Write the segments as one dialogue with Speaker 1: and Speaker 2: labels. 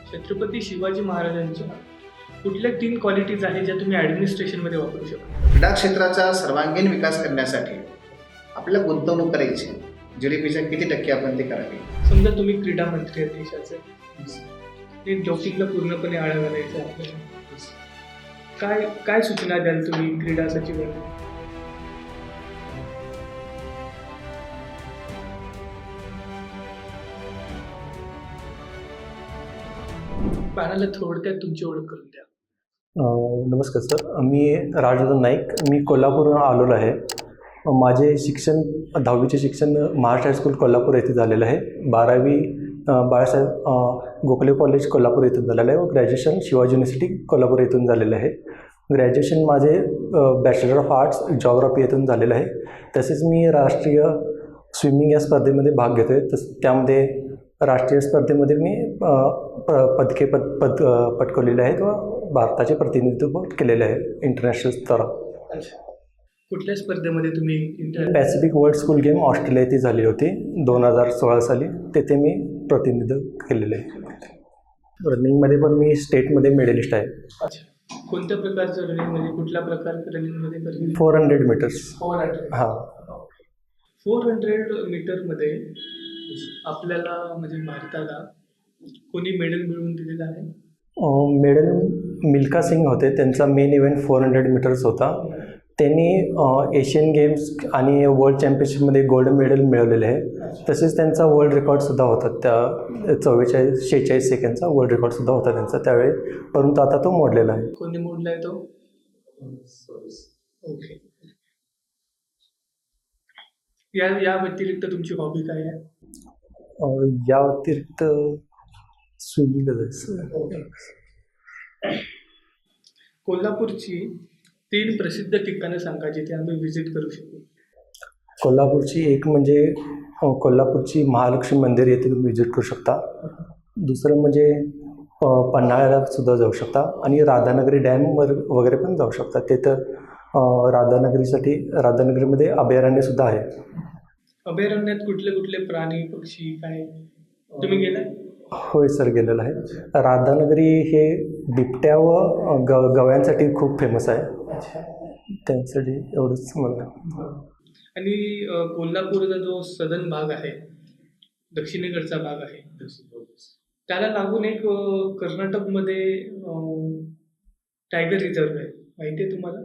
Speaker 1: छत्रपती शिवाजी महाराजांच्या कुठल्या 3 क्वालिटीज आहेत ज्या तुम्ही ॲडमिनिस्ट्रेशनमध्ये वापरू शकता?
Speaker 2: क्रीडा क्षेत्राचा सर्वांगीण विकास करण्यासाठी आपल्याला गुंतवणूक करायची. GDPच्या किती टक्के आपण ते करावी?
Speaker 1: समजा तुम्ही क्रीडा मंत्री आहेत देशाचे, ते डोपिंगला पूर्णपणे आळा घालायचं आहे आपल्याला. काय काय सूचना द्याल तुम्ही क्रीडा सचिवांना? पॅनलला थोडक्यात तुमची ओळख करून द्या.
Speaker 3: नमस्कार सर, मी राजवर्धन नाईक. मी कोल्हापूरहून आलेलो आहे. माझे शिक्षण 10वीचे शिक्षण महाराष्ट्र हायस्कूल कोल्हापूर येथे झालेलं आहे. 12वी बाळासाहेब गोखले कॉलेज कोल्हापूर येथून झालेलं आहे व ग्रॅज्युएशन शिवाजी युनिव्हर्सिटी कोल्हापूर येथून झालेलं आहे. ग्रॅज्युएशन माझे बॅचलर ऑफ आर्ट्स जॉग्राफी येथून झालेलं आहे. तसेच मी राष्ट्रीय स्विमिंग या स्पर्धेमध्ये भाग घेतो आहे. त्यामध्ये राष्ट्रीय स्पर्धेमध्ये मी पदके पटकवलेले आहेत व भारताचे प्रतिनिधित्व केलेले आहे इंटरनॅशनल स्तरावर.
Speaker 1: अच्छा, कुठल्या स्पर्धेमध्ये तुम्ही
Speaker 3: Pacific world school game Australia येथे झाली होती 2016 साली. तेथे मी प्रतिनिधित्व केलेले आहे. रनिंगमध्ये पण मी स्टेटमध्ये मेडलिस्ट आहे.
Speaker 1: अच्छा, कोणत्या प्रकारचं रनिंग, म्हणजे कुठल्या प्रकारचं रनिंगमध्ये करते?
Speaker 3: 400 मीटर्स.
Speaker 1: 400.
Speaker 3: हां.
Speaker 1: 400 मीटरमध्ये आपल्याला म्हणजे भारताला कोणी मेडल मिळवून दिलेलं आहे?
Speaker 3: मेडल मिल्खा सिंग होते. त्यांचा मेन इव्हेंट 400 मीटर्स होता. त्यांनी एशियन गेम्स आणि वर्ल्ड चॅम्पियनशिपमध्ये गोल्ड मेडल मिळवलेले आहे. तसेच त्यांचा वर्ल्ड रेकॉर्डसुद्धा होता. त्या 46 सेकंडचा वर्ल्ड रेकॉर्डसुद्धा होता त्यांचा त्यावेळी, परंतु आता तो मोडलेला आहे.
Speaker 1: कोणी मोडला आहे तो? ओके. या व्यतिरिक्त तुमची हॉबी काय आहे?
Speaker 3: या व्यतिरिक्त स्विमिंगच आहे.
Speaker 1: कोल्हापूरची 3 प्रसिद्ध ठिकाणं सांगा जिथे आम्ही व्हिजिट करू शकू.
Speaker 3: कोल्हापूरची एक म्हणजे कोल्हापूरची महालक्ष्मी मंदिर येथे तुम्ही व्हिजिट करू शकता. दुसरं म्हणजे पन्हाळ्याला सुद्धा जाऊ शकता आणि राधानगरी डॅमवर वगैरे पण जाऊ शकता. तिथं राधानगरीमध्ये अभयारण्यसुद्धा आहे.
Speaker 1: अभयारण्यात कुठले कुठले प्राणी पक्षी काय तुम्ही गेलाय?
Speaker 3: होय सर, गेलेलं आहे. राधानगरी हे बिबट्या व गव्यांसाठी खूप फेमस आहे. त्यांसाठी एवढंच मला.
Speaker 1: आणि कोल्हापूरचा जो सदन भाग आहे, दक्षिणेकडचा भाग आहे, त्याला लागून एक कर्नाटकमध्ये टायगर रिझर्व आहे, माहिती आहे तुम्हाला?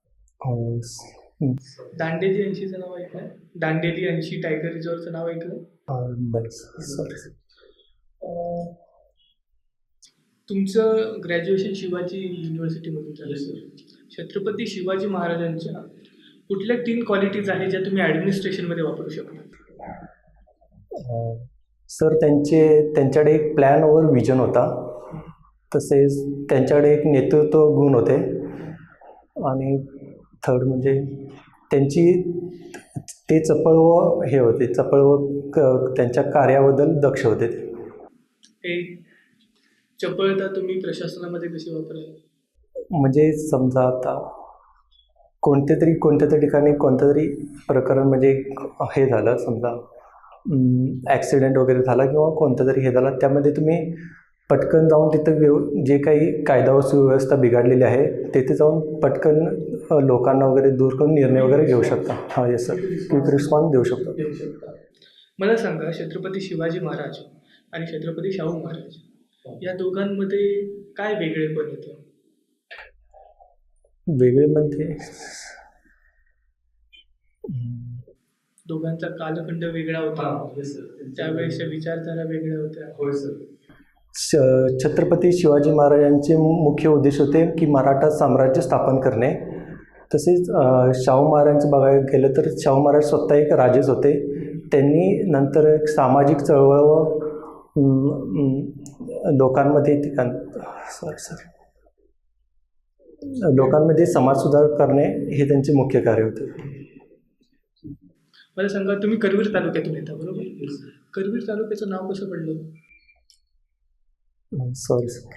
Speaker 1: दांडेली ऐंशीचं नाव ऐकलं? दांडेली ऐंशी टायगर रिझर्वचं नाव ऐकलं?
Speaker 3: सॉरी.
Speaker 1: तुमचं ग्रॅज्युएशन शिवाजी युनिव्हर्सिटीमधून झालं सर. छत्रपती शिवाजी महाराजांच्या कुठल्या 3 क्वालिटीज आहेत ज्या तुम्ही ॲडमिनिस्ट्रेशनमध्ये वापरू शकता?
Speaker 3: सर, त्यांच्याकडे एक प्लॅन ओव्हर विजन होता. तसेच त्यांच्याकडे एक नेतृत्व गुण होते. आणि थर्ड म्हणजे ते चपळ व हे होते, चपळ व त्यांच्या कार्याबद्दल दक्ष होते.
Speaker 1: हे चपळता तुम्ही प्रशासनामध्ये कशी वापराल?
Speaker 3: म्हणजे समजा आता कोणत्या तरी ठिकाणी कोणतं तरी प्रकरण म्हणजे हे झालं, समजा ॲक्सिडेंट वगैरे झाला किंवा कोणतं तरी हे झालं, त्यामध्ये तुम्ही पटकन जाऊन तिथं जे काही कायदा व सुव्यवस्था बिघडलेली आहे तिथे जाऊन पटकन लोकांना वगैरे दूर करून निर्णय वगैरे घेऊ शकता. हां, येस सर, क्विक रिस्पॉन्स देऊ शकतो.
Speaker 1: मला सांगा, छत्रपती शिवाजी महाराज आणि छत्रपती शाहू महाराज या दोघांमध्ये काय वेगळेपण येतं?
Speaker 3: वेगळे म्हणजे
Speaker 1: दोघांचा कालखंड वेगळा होता, त्यावेळेसच्या विचारधारा वेगळ्या होत्या.
Speaker 3: होय सर. छत्रपती शिवाजी महाराजांचे मुख्य उद्देश होते की मराठा साम्राज्य स्थापन करणे. तसेच शाहू महाराजांचं बघायला गेलं तर शाहू महाराज स्वतः एक राजेच होते. त्यांनी नंतर एक सामाजिक चळवळ व लोकांमध्ये समाज सुधार करणे हे त्यांचे मुख्य कार्य होते.
Speaker 1: मला सांगा, तुम्ही करवीर तालुक्यातून येता बरोबर? करवीर तालुक्याचं नाव कसं पडलं?
Speaker 3: Sorry sir.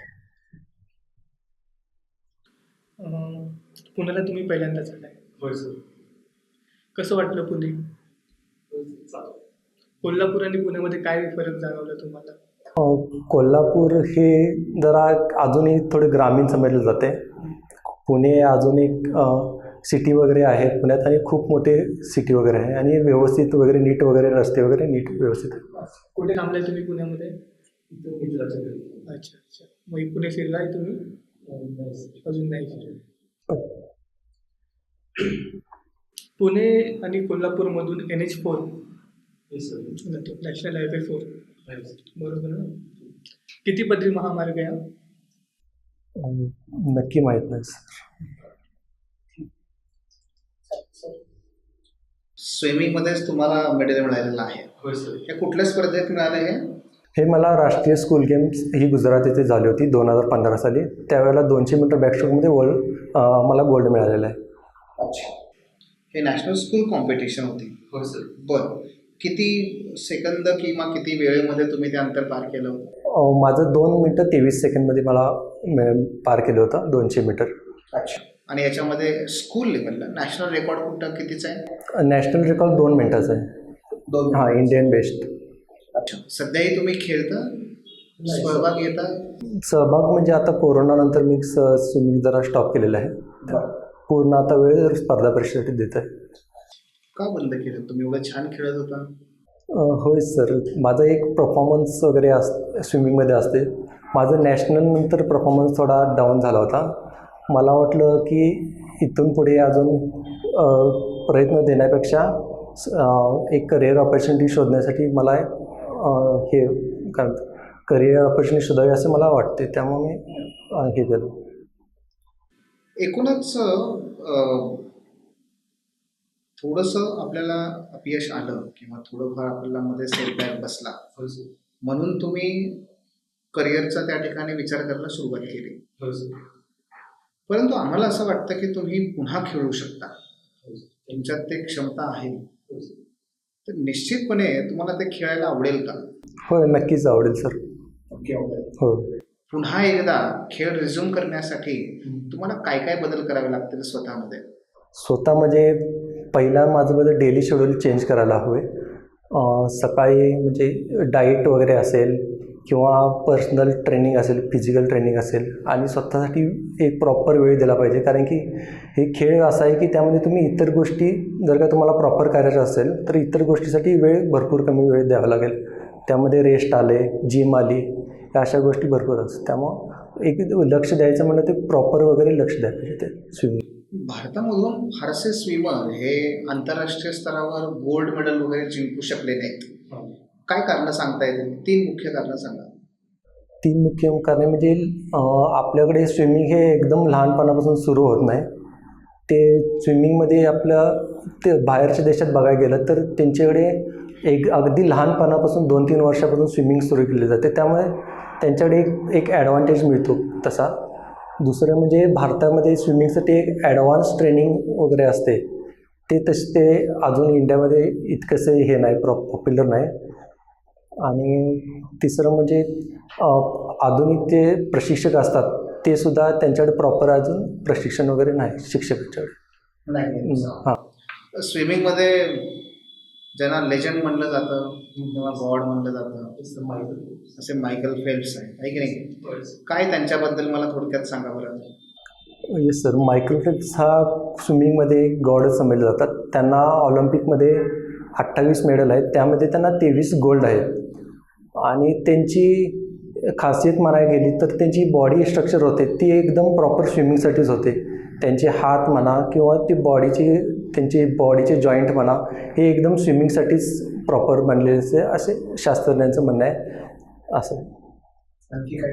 Speaker 1: पुण्याला तुम्ही पहिल्यांदाच आलाय?
Speaker 3: होय सर.
Speaker 1: कसं वाटलं पुणे? कोल्हापूर आणि पुण्यामध्ये काय फरक जाणवला तुम्हाला?
Speaker 3: कोल्हापूर हे जरा अजूनही थोडे ग्रामीण समजले जाते. पुणे अजून एक सिटी वगैरे आहे पुण्यात, आणि खूप मोठे सिटी वगैरे आहे, आणि व्यवस्थित वगैरे नीट वगैरे रस्ते वगैरे नीट व्यवस्थित आहे.
Speaker 1: कुठे थांबलाय तुम्ही पुण्यामध्ये? अच्छा अच्छा. मग पुणे फिरलाय तुम्ही? अजून नाही फिरले. पुणे आणि कोल्हापूरमधून NH4 नॅशनल हायवे 4 बरोबर ना? किती पदरी महामार्ग आहे हा?
Speaker 3: नक्की माहीत नाही सर.
Speaker 2: स्विमिंगमध्येच तुम्हाला मेडल मिळालेलं आहे.
Speaker 1: होय सर.
Speaker 2: हे कुठल्या स्पर्धेत मिळाले हे?
Speaker 3: हे मला राष्ट्रीय स्कूल गेम्स ही गुजरात येथे झाली होती 2015 साली. त्यावेळेला 200 मीटर बॅकस्ट्रोकमध्ये मला गोल्ड मिळालेला आहे.
Speaker 2: अच्छा. हे नॅशनल स्कूल कॉम्पिटिशन होती.
Speaker 1: हो सर.
Speaker 2: बरं. किती सेकंद किंवा किती वेळेमध्ये तुम्ही ते अंतर पार केलं होतं?
Speaker 3: माझं 2 मिनटं 23 सेकंडमध्ये मला पार केलं होतं 200 मीटर.
Speaker 2: अच्छा. आणि याच्यामध्ये स्कूल लेवलला नॅशनल रेकॉर्ड कुठं कितीचा आहे?
Speaker 3: नॅशनल रेकॉर्ड 2 मिनटाचा आहे.
Speaker 2: 2
Speaker 3: हां, इंडियन बेस्ट.
Speaker 2: अच्छा. सध्याही तुम्ही खेळता, सहभाग घेता?
Speaker 3: सहभाग म्हणजे आता कोरोनानंतर मी स्विमिंग जरा स्टॉप केलेलं आहे. पूर्ण आता वेळ स्पर्धा परीक्षेसाठी देत आहे.
Speaker 2: का बंद केलं? तुम्ही एवढं छान खेळत होता.
Speaker 3: होय सर, माझा एक परफॉर्मन्स वगैरे स्विमिंगमध्ये असते. माझं नॅशनलनंतर परफॉर्मन्स थोडा डाऊन झाला होता. मला वाटलं की इथून पुढे अजून प्रयत्न देण्यापेक्षा एक करिअर ऑपॉर्च्युनिटी शोधण्यासाठी मला हे काय करिअर ऑपॉर्च्युनिटी शोधावी असं मला वाटते. त्यामुळे मी हे केलं.
Speaker 2: एकूणच थोडंसं आपल्याला अपयश आलं किंवा थोडंफार आपल्याला मध्ये सेटबॅक बसला, म्हणून तुम्ही करिअरचा त्या ठिकाणी विचार करायला सुरुवात केली. परंतु आम्हाला असं वाटतं की तुम्ही पुन्हा खेळू शकता, तुमच्यात ते क्षमता आहे. तर निश्चितपणे तुम्हाला ते खेळायला आवडेल का?
Speaker 3: होय, नक्कीच आवडेल सर. हो.
Speaker 2: पुन्हा एकदा खेळ रिझ्यूम करण्यासाठी तुम्हाला काय काय बदल करावे लागतील स्वतःमध्ये?
Speaker 3: स्वतःमध्ये पहिला माझं डेली शेड्यूल चेंज करायला हवे. सकाळी म्हणजे डाईट वगैरे असेल किंवा पर्सनल ट्रेनिंग असेल, फिजिकल ट्रेनिंग असेल, आणि स्वतःसाठी एक प्रॉपर वेळ दिला पाहिजे. कारण की हे खेळ असा आहे की त्यामध्ये तुम्ही इतर गोष्टी जर का तुम्हाला प्रॉपर करायचं असेल तर इतर गोष्टीसाठी वेळ भरपूर कमी वेळ द्यावा लागेल. त्यामध्ये रेस्ट आले, जिम आली, या अशा गोष्टी भरपूर असतात. त्यामुळं एक लक्ष द्यायचं म्हणलं ते प्रॉपर वगैरे लक्ष द्यायला पाहिजे ते स्विमिंग.
Speaker 2: भारतामधून फारसे स्विमर हे आंतरराष्ट्रीय स्तरावर गोल्ड मेडल वगैरे जिंकू शकले नाहीत. काय कारणं सांगता येतील? 3 मुख्य कारणं सांगा.
Speaker 3: 3 मुख्य कारणे म्हणजे आपल्याकडे स्विमिंग हे एकदम लहानपणापासून सुरू होत नाही. ते स्विमिंगमध्ये ते बाहेरच्या देशात बघायला गेलं तर त्यांच्याकडे एक अगदी लहानपणापासून 2-3 वर्षापासून स्विमिंग सुरू केली जाते. त्यामुळे त्यांच्याकडे एक ॲडव्हान्टेज मिळतो तसा. दुसरं म्हणजे भारतामध्ये स्विमिंगसाठी एक ॲडव्हान्स ट्रेनिंग वगैरे असते. ते अजून इंडियामध्ये इतकंसं हे नाही, पॉप्युलर नाही. आणि तिसरं म्हणजे आधुनिक जे प्रशिक्षक असतात ते सुद्धा त्यांच्याकडे प्रॉपर अजून प्रशिक्षण वगैरे नाही शिक्षकांच्याकडे
Speaker 2: नाही.
Speaker 3: हां.
Speaker 2: स्विमिंगमध्ये ज्यांना लेजंड म्हणलं जातं किंवा गॉड म्हणलं जातं असे मायकल फेल्प्स आहे की नाही? काय त्यांच्याबद्दल मला थोडक्यात सांगा बरं.
Speaker 3: येस सर, मायकल फेल्प्स हा स्विमिंगमध्ये गॉडच समजले जातात. त्यांना ऑलिम्पिकमध्ये 28 मेडल आहेत, त्यामध्ये त्यांना 23 गोल्ड आहेत. आणि त्यांची खासियत म्हणायला गेली तर त्यांची बॉडी स्ट्रक्चर होते ती एकदम प्रॉपर स्विमिंगसाठीच होते. त्यांचे हात म्हणा किंवा त्यांचे बॉडीचे जॉईंट म्हणा हे एकदम स्विमिंगसाठीच प्रॉपर बनलेले असे शास्त्रज्ञांचं म्हणणं आहे. असं
Speaker 2: आणखी काय?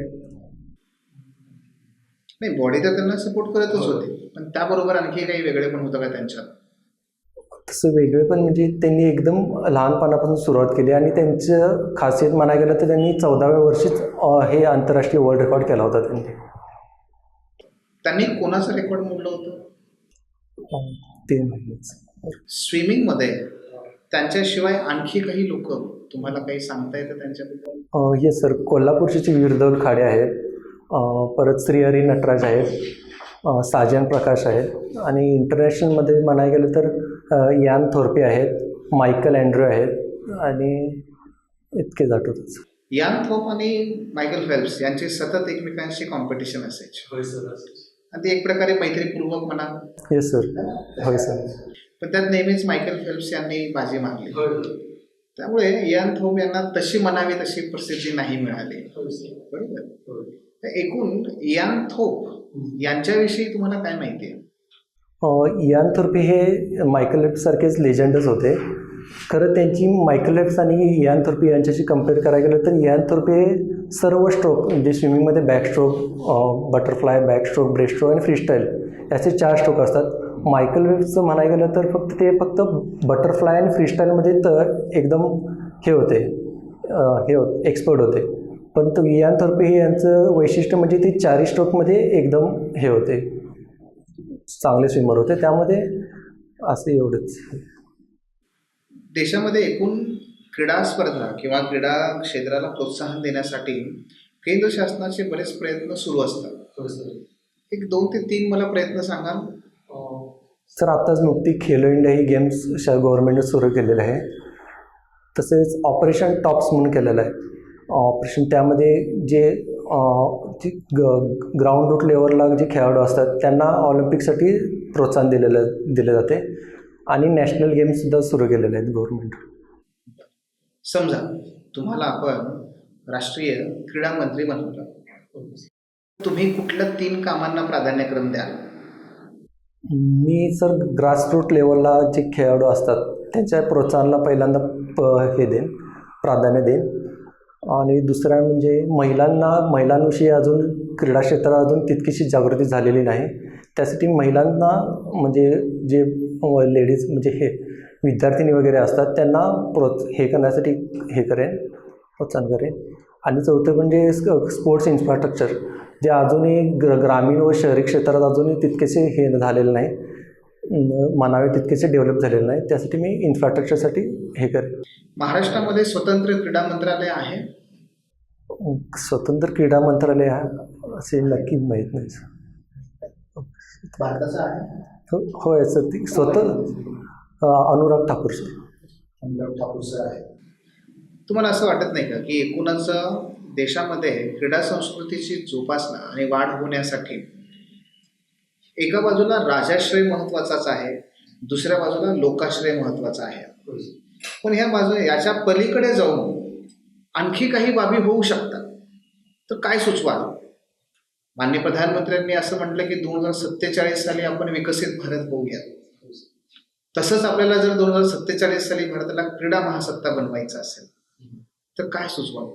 Speaker 2: नाही, बॉडी तर त्यांना सपोर्ट करतच होते, पण त्याबरोबर आणखी काही वेगळे पण होतं का त्यांच्यात?
Speaker 3: तसं वेगळे पण म्हणजे त्यांनी एकदम लहानपणापासून सुरुवात केली आणि त्यांचं खासियत म्हणायला गेलं तर त्यांनी 14व्या वर्षीच हे आंतरराष्ट्रीय वर्ल्ड रेकॉर्ड केला होता.
Speaker 2: त्यांनी कोणाचं रेकॉर्ड मोडलं होतं?
Speaker 3: ते माहितीच.
Speaker 2: स्विमिंगमध्ये त्यांच्याशिवाय आणखी काही लोक तुम्हाला काही सांगता येतं त्यांच्याबद्दल?
Speaker 3: येस सर, कोल्हापूरचे वीरदौल खाडे आहेत, परत श्रीहरी नटराज आहेत, साजन प्रकाश आहेत, आणि इंटरनॅशनलमध्ये म्हणायला गेलं तर यान थोरपे आहेत, मायकल अँड्रू आहेत, आणि इतकेच आठवतच.
Speaker 2: इयान थोप आणि मायकेल फेल्प्स यांची सतत एकमेकांशी कॉम्पिटिशन असायची
Speaker 3: होय सर.
Speaker 2: आणि ती एक प्रकारे मैत्रीपूर्वक म्हणा.
Speaker 3: Yes sir. होय सर.
Speaker 2: पण त्यात नेहमीच मायकेल फेल्प्स यांनी बाजी मारली. त्यामुळे इयान थोप यांना तशी म्हणावी तशी प्रसिद्धी नाही मिळाली. बरोबर. तर एकूण इयान थोप यांच्याविषयी तुम्हाला काय माहिती आहे?
Speaker 3: इयान थोर्पे हे मायकेल फेल्प्स सारखेच लेजंडच होते. खरं त्यांची मायकेल फेल्प्स आणि इयान थोर्पे यांच्याशी कम्पेअर करायला गेलं तर इयान थोर्पे हे सर्व स्ट्रोक म्हणजे स्विमिंगमध्ये बॅकस्ट्रोक, बटरफ्लाय, बॅकस्ट्रोक, ब्रेस्ट्रोक आणि फ्रीस्टाईल याचे 4 स्ट्रोक असतात. मायकेल फेल्प्सचं म्हणायला गेलं तर फक्त बटरफ्लाय आणि फ्रीस्टाईलमध्ये तर एकदम हे होते एक्सपर्ट होते. पण तो इयान थोर्पे हे यांचं वैशिष्ट्य म्हणजे ते 4 स्ट्रोकमध्ये एकदम हे होते, चांगले स्विमर होते. त्यामध्ये असे एवढंच.
Speaker 2: देशामध्ये एकूण क्रीडा स्पर्धा किंवा क्रीडा क्षेत्राला प्रोत्साहन देण्यासाठी केंद्र शासनाचे बरेच प्रयत्न सुरू असतात. एक 2 ते 3 मला प्रयत्न सांगाल?
Speaker 3: सर आत्ताच नुकती खेलो इंडिया ही गेम्स गव्हर्नमेंटने सुरू केलेलं आहे. तसेच ऑपरेशन टॉप्स म्हणून केलेलं आहे ऑपरेशन. त्यामध्ये जे ग्राउंड रूट लेवलला जे खेळाडू असतात त्यांना ऑलिम्पिकसाठी प्रोत्साहन दिले जाते आणि नॅशनल गेम्ससुद्धा सुरू केलेले आहेत गव्हर्नमेंट.
Speaker 2: समजा तुम्हाला आपण राष्ट्रीय क्रीडा मंत्री बनवलं, तुम्ही कुठल्या 3 कामांना प्राधान्यक्रम द्याल?
Speaker 3: मी सर ग्रासरूट लेवलला जे खेळाडू असतात त्यांच्या प्रोत्साहनाला पहिल्यांदा प्राधान्य देईन. आणि दुसरा म्हणजे महिलांविषयी अजून क्रीडा क्षेत्रात अजून तितकीशी जागृती झालेली नाही. त्यासाठी महिलांना म्हणजे जे लेडीज म्हणजे हे विद्यार्थिनी वगैरे असतात त्यांना करण्यासाठी प्रोत्साहन करेन. आणि चौथं म्हणजे स्पोर्ट्स इन्फ्रास्ट्रक्चर जे अजूनही ग्रामीण व शहरी क्षेत्रात अजूनही तितकेसे हे झालेलं नाही, म्हणावे तितकेसे डेव्हलप झालेले नाही. त्यासाठी मी इन्फ्रास्ट्रक्चरसाठी हे करेन.
Speaker 2: महाराष्ट्रामध्ये स्वतंत्र क्रीडा मंत्रालय आहे?
Speaker 3: स्वतंत्र क्रीडा मंत्रालय असे नक्की माहीत नाही सर.
Speaker 2: भारताचं आहे?
Speaker 3: होय सर. ती अनुराग ठाकूर सर.
Speaker 2: अनुराग ठाकूर सर आहे. तुम्हाला असं वाटत नाही का की एकूणच देशामध्ये क्रीडा संस्कृतीची जोपासना आणि वाढ होण्यासाठी एका बाजूला राजाश्रय महत्त्वाचाच आहे, दुसऱ्या बाजूला लोकाश्रय महत्त्वाचा आहे, पण याच्या पलीकडे जाऊन आणखी काही बाबी होऊ शकतात, तर काय सुचवाल? माननीय प्रधानमंत्र्यांनी असं म्हटलं की 2047 साली आपण विकसित भारत होऊया. तसंच आपल्याला जर 2047 साली भारताला क्रीडा महासत्ता बनवायचं असेल तर काय सुचवाल?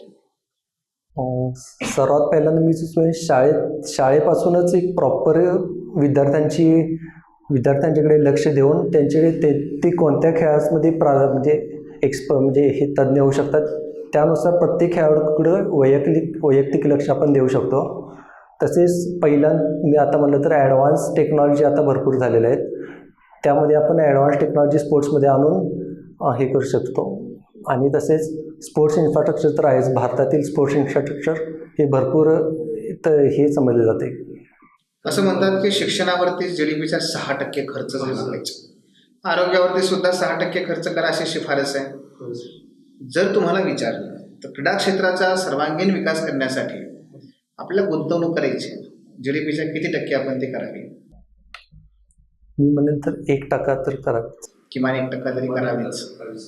Speaker 3: सर्वात पहिल्यांदा मी सुचवेन शाळेपासूनच एक प्रॉपर विद्यार्थ्यांच्याकडे लक्ष देऊन त्यांच्याकडे ते कोणत्या खेळामध्ये म्हणजे हे तज्ज्ञ होऊ शकतात त्यानुसार प्रत्येक खेळाडूकडे वैयक्तिक लक्ष आपण देऊ शकतो. तसेच मी आता म्हणलं तर ॲडव्हान्स टेक्नॉलॉजी आता भरपूर झालेल्या आहेत, त्यामध्ये आपण ॲडव्हान्स टेक्नॉलॉजी स्पोर्ट्समध्ये आणून हे करू शकतो. आणि तसेच स्पोर्ट्स इन्फ्रास्ट्रक्चर तर आहेच. भारतातील स्पोर्ट्स इन्फ्रास्ट्रक्चर हे भरपूर हे समजले जाते.
Speaker 2: असं म्हणतात की शिक्षणावरती GDPचा 6% खर्च झाला पाहिजे, आरोग्यावरती सुद्धा 6% खर्च करा अशी शिफारस आहे. जर तुम्हाला विचारलं तर क्रीडा क्षेत्राचा सर्वांगीण विकास करण्यासाठी आपल्याला गुंतवणूक करायची, GDPच्या किती टक्के आपण ते करावी?
Speaker 3: मी म्हणेन तर 1% तर करावी,
Speaker 2: किमान 1% तरी करावीच.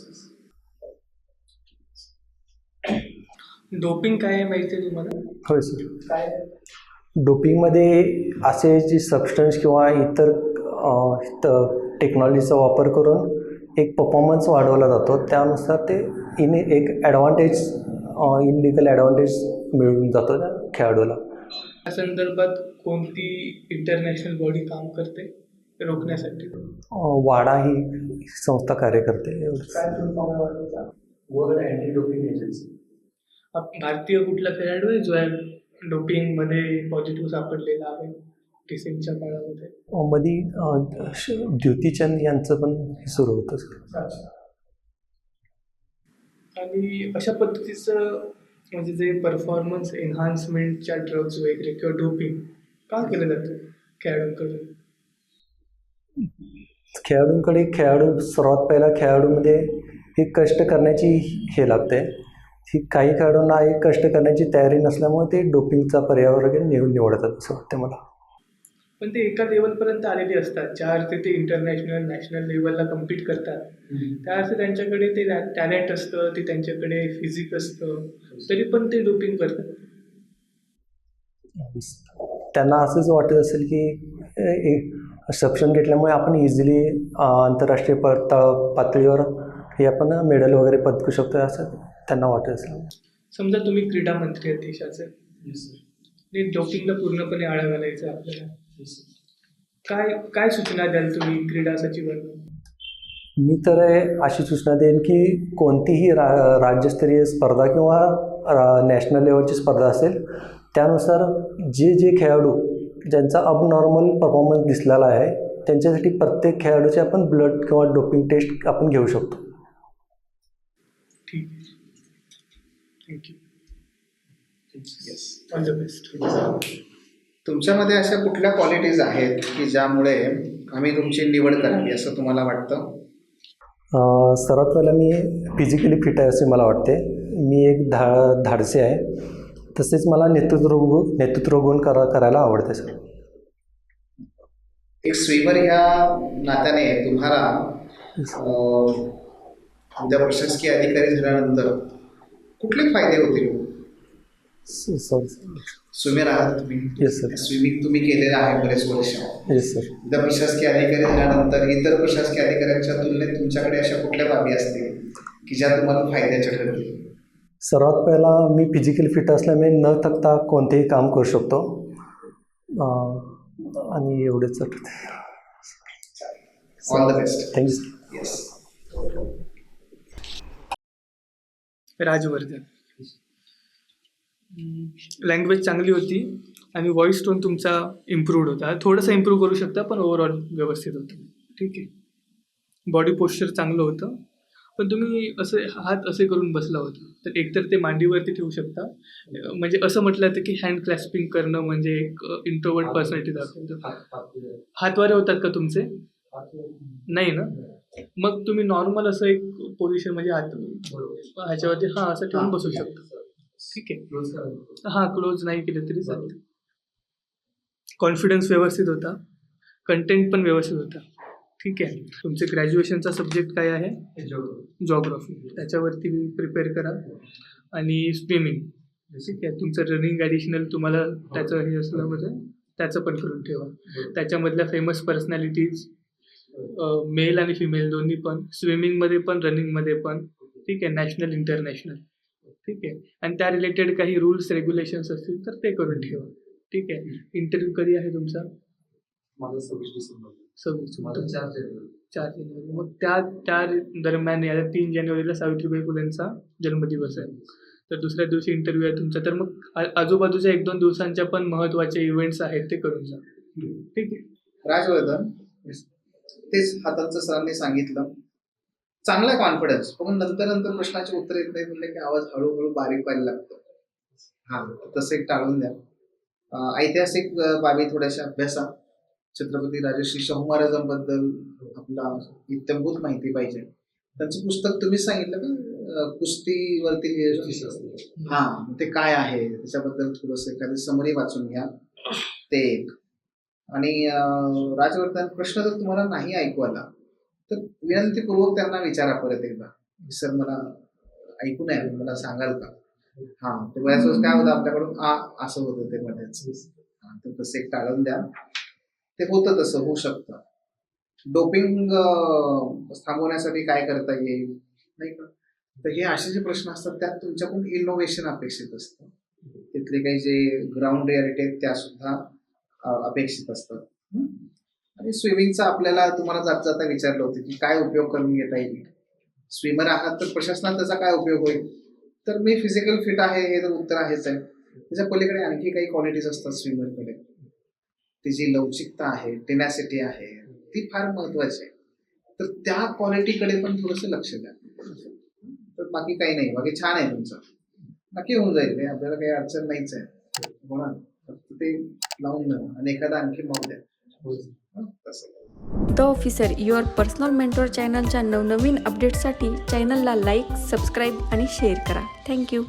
Speaker 1: डोपिंग काय आहे माहिती आहे तुम्हाला?
Speaker 3: होय सर. काय डोपिंगमध्ये असे जे सबस्टन्स किंवा इतर टेक्नॉलॉजीचा वापर करून एक परफॉर्मन्स वाढवला जातो, त्यानुसार ते एक इनलिगल ॲडव्हान्टेज मिळून जातो त्या खेळाडूला.
Speaker 1: या संदर्भात कोणती इंटरनॅशनल बॉडी काम करते रोखण्यासाठी?
Speaker 3: वाडा ही संस्था कार्य करते.
Speaker 4: World anti doping agency.
Speaker 1: भारतीय कुठला खेळाडू आहे जो डोपिंगमध्ये पॉझिटिव्ह सापडलेला आहे रिसेंटच्या काळामध्ये?
Speaker 3: मध्ये द्युतीचंद यांचं पण सुरू होतं.
Speaker 1: आणि अशा पद्धतीचं म्हणजे जे परफॉर्मन्स एन्हान्समेंटच्या ड्रग्ज वगैरे किंवा डोपिंग का केलं जातं खेळाडूंकडे?
Speaker 3: सर्वात पहिला खेळाडूमध्ये हे कष्ट करण्याची हे लागते. ही काही खेळाडूंना एक कष्ट करण्याची तयारी नसल्यामुळे ते डोपिंगचा पर्याय वगैरे निवडतात असं वाटतं मला.
Speaker 1: पण ते एका लेवलपर्यंत आलेले असतात, ज्या अर्थी ते इंटरनॅशनल नॅशनल लेवलला कम्पीट करतात. त्या अर्थी त्यांच्याकडे ते टॅलेंट असतं, ते त्यांच्याकडे फिजिक असतं, तरी पण ते डोपिंग करतात.
Speaker 3: त्यांना असंच वाटत असेल की सक्षम घेतल्यामुळे आपण इझिली आंतरराष्ट्रीय पातळीवर हे आपण मेडल वगैरे पदकू शकतो असं त्यांना वाटत असेल.
Speaker 1: समजा तुम्ही क्रीडा मंत्री आहेत देशाचे, आणि डोपिंगला पूर्णपणे आळा घालायचं आहे आपल्याला, काय काय सूचना द्याल तुम्ही क्रीडा सचिवांना?
Speaker 3: मी तर अशी सूचना देईन की कोणतीही राज्यस्तरीय स्पर्धा किंवा नॅशनल लेवलची स्पर्धा असेल त्यानुसार जे खेळाडू ज्यांचा अबनॉर्मल परफॉर्मन्स दिसलेला आहे त्यांच्यासाठी प्रत्येक खेळाडूची आपण ब्लड किंवा डोपिंग टेस्ट आपण घेऊ शकतो.
Speaker 1: ठीक आहे, thank you. Yes, all the best.
Speaker 2: तुमच्यामध्ये अशा कुठल्या क्वालिटीज आहेत की ज्यामुळे आम्ही तुमची निवड करावी असं तुम्हाला वाटतं?
Speaker 3: सर्वात पहिला मी फिजिकली फिट आहे असे मला वाटते. मी एक धाडसी आहे, तसेच मला नेतृत्व गुण करायला आवडते सर.
Speaker 2: एक स्विमर ह्या नात्याने तुम्हाला उद्या प्रशासकीय अधिकारी झाल्यानंतर कुठले फायदे होतील?
Speaker 3: सॉरी.
Speaker 2: स्विमर आहात तुम्ही?
Speaker 3: Yes sir.
Speaker 2: स्विमिंग तुम्ही केलेलं आहे बरेच वर्ष.
Speaker 3: Yes sir.
Speaker 2: उद्या प्रशासकीय अधिकारी झाल्यानंतर इतर प्रशासकीय अधिकाऱ्यांच्या तुलनेत तुमच्याकडे अशा कुठल्या बाबी असतील की ज्या तुम्हाला फायद्याच्या ठरतील?
Speaker 3: सर्वात पहिला मी फिजिकल फिट असल्यामुळे न थकता कोणतेही काम करू शकतो आणि एवढेच.
Speaker 2: All the best.
Speaker 3: Thank you.
Speaker 2: Yes.
Speaker 1: Rajvardhan, language चांगली होती आणि व्हॉइस टोन तुमचा इम्प्रूव्ड होता. थोडंसं इम्प्रूव्ह करू शकता, पण ओव्हरऑल व्यवस्थित होतं. ठीक आहे. बॉडी पोश्चर चांगलं होतं, पण तुम्ही असे हात असे करून बसला होता, तर एकतर ते मांडीवरती ठेवू शकता. म्हणजे असं म्हटलं जातं की हँड क्लॅस्पिंग करणं म्हणजे एक इंट्रोवर्ट पर्सनॅलिटी दाखवतं. हातवारे होतात का तुमचे? नाही ना? मग तुम्ही नॉर्मल असं एक पोझिशन म्हणजे हात ह्याच्यावरती असं ठेवून बसू शकता. ठीक आहे. क्लोज नाही केलं तरी चालतं. कॉन्फिडन्स व्यवस्थित होता, कंटेंट पण व्यवस्थित होता. ठीक आहे. तुमचे ग्रॅज्युएशनचा सब्जेक्ट काय आहे? जॉग्राफी. त्याच्यावरती प्रिपेअर करा आणि स्विमिंग. ठीक आहे. तुमचं रनिंग ॲडिशनल तुम्हाला त्याचं हे असलं म्हणजे त्याचं पण करून ठेवा. त्याच्यामधल्या फेमस पर्सनॅलिटीज मेल आणि फिमेल दोन्ही पण, स्विमिंगमध्ये पण रनिंगमध्ये पण. ठीक आहे. National international. ठीक आहे. आणि त्या रिलेटेड काही रूल्स रेग्युलेशन्स असतील तर ते करून ठेवा. ठीक आहे. इंटरव्ह्यू कधी आहे तुमचा?
Speaker 4: माझा 26 डिसेंबर.
Speaker 1: 4 जानेवारी. मग त्या दरम्यान या 3 जानेवारीला सावित्रीबाई फुलेंचा जन्मदिवस आहे, तर दुसऱ्या दिवशी इंटरव्ह्यू आहे तुमचा. तर मग आजूबाजूच्या 1-2 दिवसांच्या पण महत्त्वाचे इव्हेंट्स आहेत ते करून जा. ठीक आहे.
Speaker 2: राजवर्धन, तेच हातांचं सरांनी सांगितलं, चांगला कॉन्फिडन्स, पण नंतर प्रश्नाचे उत्तर येत नाही म्हणले की आवाज हळूहळू बारीक व्हायला लागतो. तसं एक टाळून द्या. ऐतिहासिक बाबी थोड्याशा अभ्यासा. छत्रपती राजश्री शाहू महाराजांबद्दल आपला इत्थंभूत माहिती पाहिजे. त्यांचं पुस्तक तुम्हीच सांगितलं का, कुस्तीवरती ते काय आहे त्याच्याबद्दल थोडंसं एखादी समरी वाचून घ्या, ते एक. आणि राजवर्धन, प्रश्न जर तुम्हाला नाही ऐकू आला तर विनंतीपूर्वक त्यांना विचारा परत एकदा, सर मला ऐकू नाही, मला सांगाल का? ते बऱ्याच वेळेस काय होतं आपल्याकडून असं होतं ते मध्येच. तर तसं एक टाळून द्या. ते होतं तसं होऊ शकतं. डोपिंग थांबवण्यासाठी काय करता येईल नाही का, तर हे असे जे प्रश्न असतात त्यात तुमच्याकडून इनोव्हेशन अपेक्षित असतं. तिथले काही जे ग्राउंड रियालिटी आहेत त्या सुद्धा अपेक्षित असतात. आणि स्विमिंगचा आपल्याला तुम्हाला जाता विचारलं होतं की काय उपयोग करून घेता येईल. स्विमर आहात तर प्रशासनात त्याचा काय उपयोग होईल, तर मी फिजिकल फिट आहे हे तर उत्तर आहेच आहे. त्याच्या पलीकडे आणखी काही क्वालिटीज असतात स्विमरकडे. ती जी लवचिकता आहे, टेनॅसिटी आहे, ती फार महत्वाची आहे. तर त्या क्वालिटीकडे पण थोडंसं लक्ष द्या. तर बाकी काही नाही, बाकी छान आहे तुमचं, नक्की होऊन जाईल. आपल्याला काही अडचण नाहीच आहे. हो ना, फक्त ते लावून द्या आणि एखादा आणखी मग द्या. तसं
Speaker 5: the officer your personal mentor चॅनलच्या नवनवीन अपडेट्ससाठी चॅनलला लाईक, सबस्क्राईब आणि शेअर करा. थँक्यू.